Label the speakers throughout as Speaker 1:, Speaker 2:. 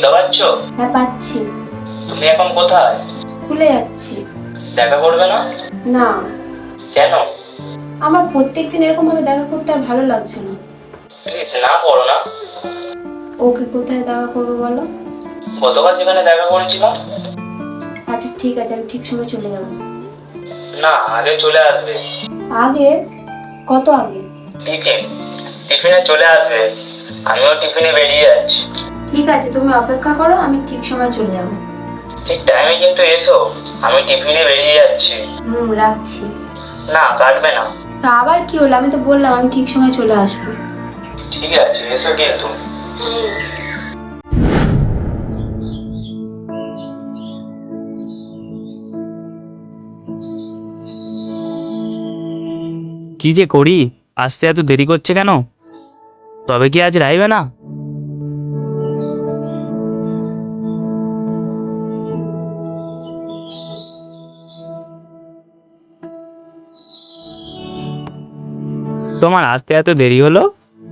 Speaker 1: শুনতে পাচ্ছ?
Speaker 2: হ্যাঁ পাচ্ছি।
Speaker 1: তুমি এখন কোথায়?
Speaker 2: স্কুলে যাচ্ছি।
Speaker 1: দেখা করবে না?
Speaker 2: না,
Speaker 1: কেন?
Speaker 2: আমার প্রত্যেকদিন এরকম ভাবে দেখা করতে আর ভালো লাগছে না।
Speaker 1: প্লিজ না করো না।
Speaker 2: ওকে কোথায় দেখা করবো বলো?
Speaker 1: গতবার যেখানে দেখা করেছিলাম।
Speaker 2: আচ্ছা ঠিক আছে, আমি ঠিক সময় চলে যাবো।
Speaker 1: না, আগে চলে আসবে।
Speaker 2: আগে? কত আগে?
Speaker 1: টিফিনে চলে আসবে। আমিও টিফিনে বেরিয়ে যাচ্ছি।
Speaker 2: ঠিক আছে, তুমি অপেক্ষা করো, আমি ঠিক সময় চলে যাবো।
Speaker 1: ঠিক টাইমে কিন্তু এসো। আমি টিফিনে বেরিয়ে যাচ্ছি।
Speaker 2: রাখছি।
Speaker 1: না, কাটবে না।
Speaker 2: তা আবার কি হলো? আমি তো বললাম আমি ঠিক সময় চলে আসবো।
Speaker 1: ঠিক আছে, এসো কিন্তু।
Speaker 3: কি যে করি, আসতে এত দেরি করছে কেন? তবে কি আজ রাইবে না? তোমার আসতে এত দেরি হলো?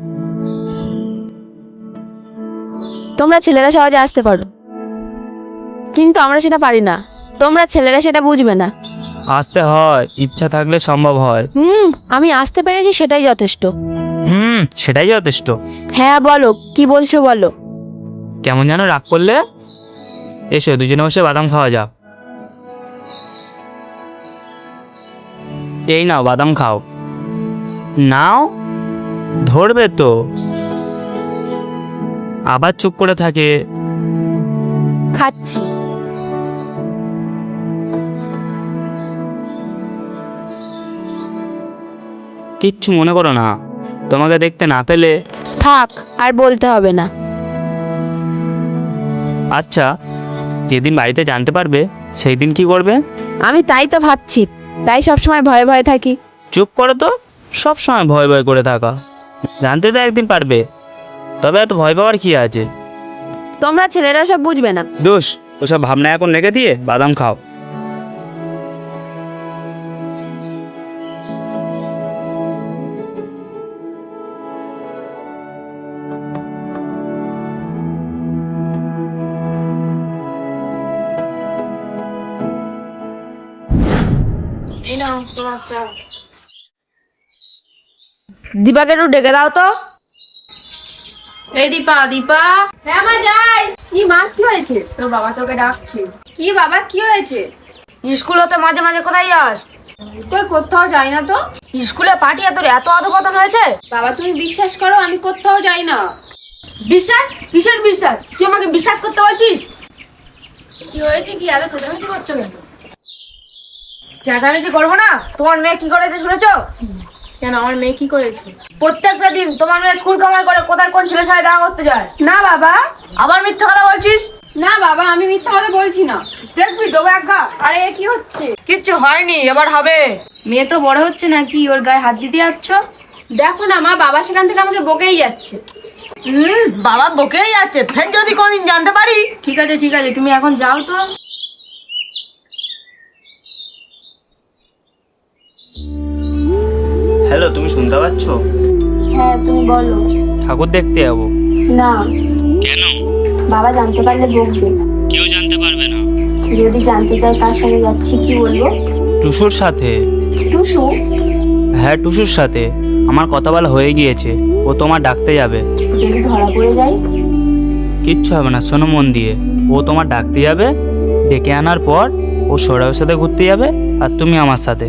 Speaker 4: তোমরা ছেলেরা সহজে আসতে পারো, কিন্তু আমরা সেটা পারি না। তোমরা ছেলেরা সেটা বুঝবে না।
Speaker 3: আসতে হয়, ইচ্ছা থাকলে সম্ভব হয়।
Speaker 4: আমি আসতে পেরেছি, সেটাই যথেষ্ট।
Speaker 3: সেটাই যথেষ্ট।
Speaker 4: হ্যাঁ বলো, কি বলছো বলো।
Speaker 3: কেমন যেন রাগ করলে? এসো দুজনে বসে বাদাম খাওয়া যাক। এই নাও বাদাম খাও। নাও, ধরবে তো। আবার চুপ করে থাকে।
Speaker 4: খাচ্ছি।
Speaker 3: কিচ্ছু মনে করো না, তোমাকে দেখতে না পেলে।
Speaker 4: থাক, আর বলতে হবে না।
Speaker 3: আচ্ছা, যেদিন বাড়িতে জানতে পারবে সেই দিন কি করবে?
Speaker 4: আমি তাই তো ভাবছি, তাই সবসময় ভয়ে ভয়ে থাকি।
Speaker 3: চুপ করো তো, সব সময় ভয় ভয় করে থাকা। জানতে তো একদিন পারবে, তবে এত ভয় পাওয়ার কি আছে?
Speaker 4: তোমরা ছেলেরা সব বুঝবে না।
Speaker 3: দোষ, ওসব ভাবনা এখন রেখে দিয়ে বাদাম খাও।
Speaker 4: দীপাকে একটু ডেকে দাও তো।
Speaker 2: এই দীপা, দীপা। হ্যাঁ মা, যাই। কি মা, কি হয়েছে? তোর বাবা তোকে ডাকছে। কি বাবা, কি হয়েছে?
Speaker 5: স্কুলে তো মাঝে মাঝে কোথায় যাস?
Speaker 2: কই কোথাও যাই না তো।
Speaker 5: স্কুলে পাঠিয়ে তোর এত অধপতন হয়েছে?
Speaker 2: বাবা তুমি বিশ্বাস করো, আমি কোথাও যাই না।
Speaker 5: বিশ্বাস? কিসের বিশ্বাস? তুই আমাকে বিশ্বাস করতে বলছিস?
Speaker 2: কি হয়েছে? কি এত চেঁচামেচি করছো কেন?
Speaker 5: চেঁচামেচি করবো না? তোমার মেয়ে কি করেছে শুনেছো?
Speaker 2: কেন, আমার মেয়ে কি করেছে?
Speaker 5: প্রত্যেকটা দিন তোমার মেয়ে স্কুল কামাই করে কোথায় কোন ছেলের সাথে দেখা করতে যায়।
Speaker 2: না বাবা।
Speaker 5: আবার মিথ্যা কথা বলছিস?
Speaker 2: না বাবা, আমি মিথ্যা কথা বলছি না।
Speaker 5: দেখবি দেবো একটা।
Speaker 2: আরে এ কি হচ্ছে?
Speaker 5: কিচ্ছু হয়নি, এবার হবে।
Speaker 2: মেয়ে তো বড় হচ্ছে নাকি, ওর গায়ে হাত দিতে যাচ্ছ? দেখো না মা, বাবা সেখান থেকে আমাকে বকেই যাচ্ছে।
Speaker 5: বাবা বকেই যাচ্ছে, ফের যদি কোনদিন জানতে পারি।
Speaker 2: ঠিক আছে ঠিক আছে, তুমি এখন যাও তো।
Speaker 3: হ্যালো, তুমি শুনতে পাচ্ছ?
Speaker 2: হ্যাঁ তুমি বলো।
Speaker 3: ঠাকুর দেখতে যাবো।
Speaker 2: না,
Speaker 3: কেন?
Speaker 2: বাবা জানতে পারলে বকবে।
Speaker 3: কেউ জানতে পারবে না।
Speaker 2: যদি জানতে চাই কার সাথে যাচ্ছি, কি বলবো?
Speaker 3: টুসুর সাথে।
Speaker 2: টুসু?
Speaker 3: হ্যাঁ, টুসুর সাথে। আমার কথা বলা হয়ে গিয়েছে, ও তোমার ডাকতে যাবে।
Speaker 2: যদি ধরা পড়ে যাই?
Speaker 3: কিচ্ছু হবে না, শোনো মন দিয়ে। ও তোমার ডাকতে যাবে, ডেকে আনার পর ও সৌরভের সাথে ঘুরতে যাবে, আর তুমি আমার সাথে।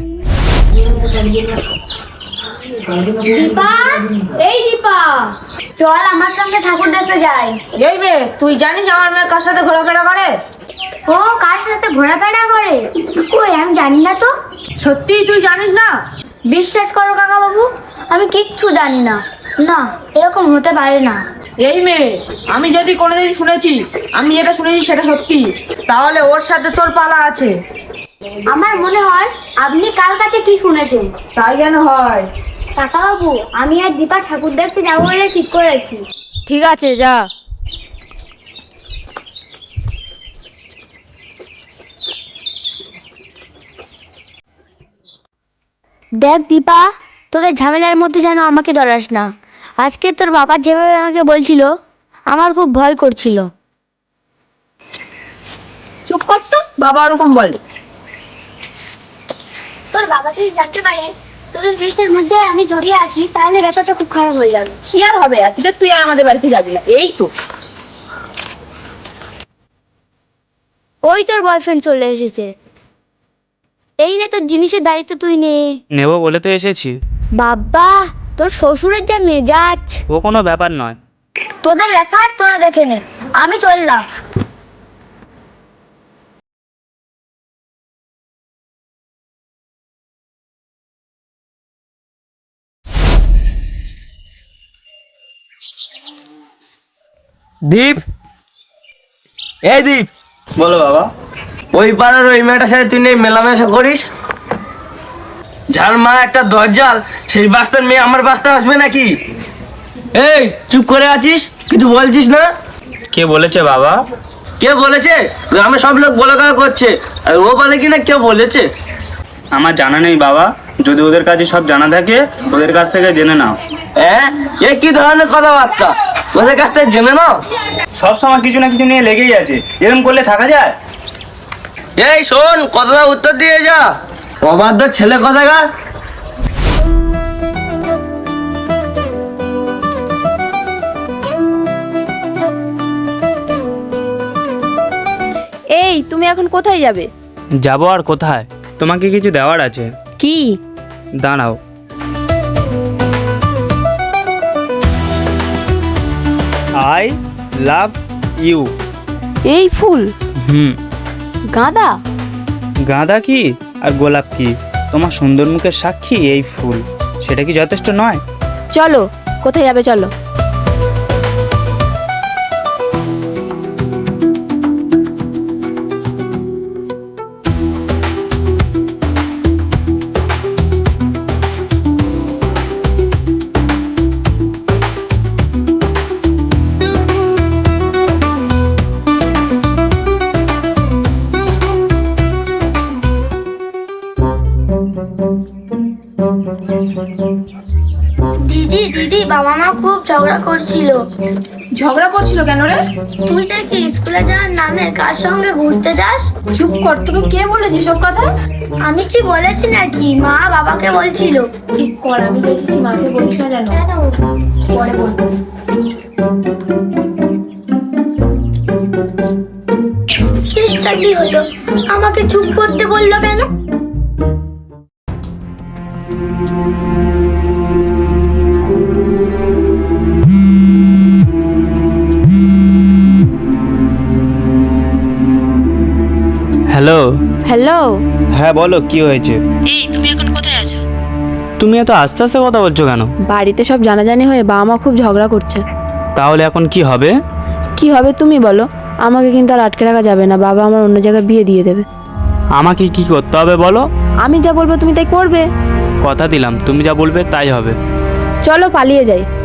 Speaker 6: দীপা, এই দীপা, চল আমার সঙ্গে ঠাকুর দেখতে যাই।
Speaker 5: এই মেয়ে, তুই জানিস আমার মেয়ে কার সাথে ঘোরাফেরা করে?
Speaker 6: ও কার সাথে ঘোরাফেরা করে? কই, আমি জানি না তো।
Speaker 5: সত্যি তুই জানিস না?
Speaker 6: বিশ্বাস করো কাকা বাবু, আমি কিচ্ছু জানি না। না, এরকম হতে পারে না।
Speaker 5: এই মেয়ে, আমি যদি কোনোদিন শুনেছি, আমি যেটা শুনেছি সেটা সত্যি, তাহলে ওর সাথে তোর পালা আছে।
Speaker 6: আমার মনে হয় আপনি কার কাছে কি শুনেছেন।
Speaker 5: তাই কেন হয়?
Speaker 6: কাকা বাবু, আমি আর দীপা ঠাকুর দেখতে যাবো বলে ঠিক করেছি।
Speaker 5: ঠিক আছে, যা।
Speaker 6: দেখ দীপা, তোদের ঝামেলার মধ্যে যেন আমাকে ডরাস না। আজকে তোর বাবা যেভাবে আমাকে বলছিল, আমার খুব ভয় করছিল।
Speaker 2: বাবা ওরকম বলে।
Speaker 6: তোর বাবা যদি জানতে পারে তোদের জিনিসের মধ্যে আমি জড়িয়ে আছি তাহলে ব্যাপারটা খুব খারাপ হয়ে যাবে।
Speaker 2: কি আর হবে, আজকে তুই আর আমাদের বাড়িতে যাবি না, এই তো।
Speaker 6: ওই তোর বয়ফ্রেন্ড চলে এসেছে। এই নে তোর জিনিসের দায়িত্ব তুই নে।
Speaker 3: নেবো বলে তো এসেছি।
Speaker 6: বাবা তোর শ্বশুরের যা মেজাজ।
Speaker 3: ও কোনো ব্যাপার নয়।
Speaker 6: তোদের রেখার তোরা দেখে নে, আমি চললাম।
Speaker 7: দীপ, এই দীপ,
Speaker 3: বলো বাবা।
Speaker 7: ওই পাড়ার ওই মেয়েটার সাথে তুই নেই মেলামেশা করিস? যার মা একটা দরজাল, সেই বাস্তার মেয়ে আমার বাস্তা আসবে নাকি? এই চুপ করে আছিস, কিছু বলছিস না?
Speaker 3: কে বলেছে বাবা?
Speaker 7: কে বলেছে? গ্রামে সব লোক বলা কথা করছে, আর ও বলে কিনা কেউ বলেছে?
Speaker 3: আমার জানা নেই বাবা, যদি ওদের কাছে সব জানা থাকে ওদের কাছ থেকে জেনে নাও।
Speaker 7: হ্যাঁ, এ কি ধরনের কথাবার্তা? ওদের কাছ থেকে জেনে নাও?
Speaker 3: সব সময় কিছু না কিছু নিয়ে লেগেই আছে, এরকম করলে থাকা যায়?
Speaker 7: এই শোন, কথাটা উত্তর দিয়ে যা, অবাধ্য ছেলে কথাকার।
Speaker 4: এই তুমি এখন কোথায় যাবে?
Speaker 3: যাবো আর কোথায়, তোমাকে কিছু দেওয়ার আছে।
Speaker 4: কি?
Speaker 3: দাঁড়াও। I love you.
Speaker 4: এই ফুল? গাঁদা?
Speaker 3: গাঁদা কি আর গোলাপ কি, তোমার সুন্দর মুখের সাক্ষী এই ফুল, সেটা কি যথেষ্ট নয়?
Speaker 4: চলো, কোথায় যাবে চলো।
Speaker 6: দিদি দিদি বাবা মা খুব ঝগড়া করছিল।
Speaker 2: ঝগড়া করছিল কেন রে?
Speaker 6: তুই নাকি স্কুলে যাওয়ার নামে কার সঙ্গে ঘুরতে যাস?
Speaker 2: চুপ কর, তোকে কে বলেছে সব কথা?
Speaker 6: আমি কি বলেছি নাকি? মা বাবাকে বলছিল।
Speaker 2: ঠিক কর, আমি তো এসেছি, মাকে বলিস না জানো।
Speaker 6: কেন?
Speaker 2: পরে বলবো।
Speaker 6: কেসটা কি হলো? আমাকে চুপ করতে বললো কেন?
Speaker 3: হ্যালো।
Speaker 4: হ্যালো।
Speaker 3: হ্যাঁ বলো, কি হয়েছে?
Speaker 4: এই তুমি এখন কোথায় আছো?
Speaker 3: তুমি এত আস্তে আস্তে কথা বলছো কেন?
Speaker 4: বাড়িতে সব জানাজানি হয়ে বাবা মা খুব ঝগড়া করছে।
Speaker 3: তাহলে এখন কি হবে?
Speaker 4: কি হবে তুমি বলো, আমাকে কিন্তু আর আটকে রাখা যাবে না, বাবা আমার অন্য জায়গায় বিয়ে দিয়ে দেবে।
Speaker 3: আমাকে কি করতে হবে বলো?
Speaker 4: আমি যা বলবো তুমি তাই করবে।
Speaker 3: কথা দিলাম, তুমি যা বলবে তাই হবে।
Speaker 4: চলো পালিয়ে যাই।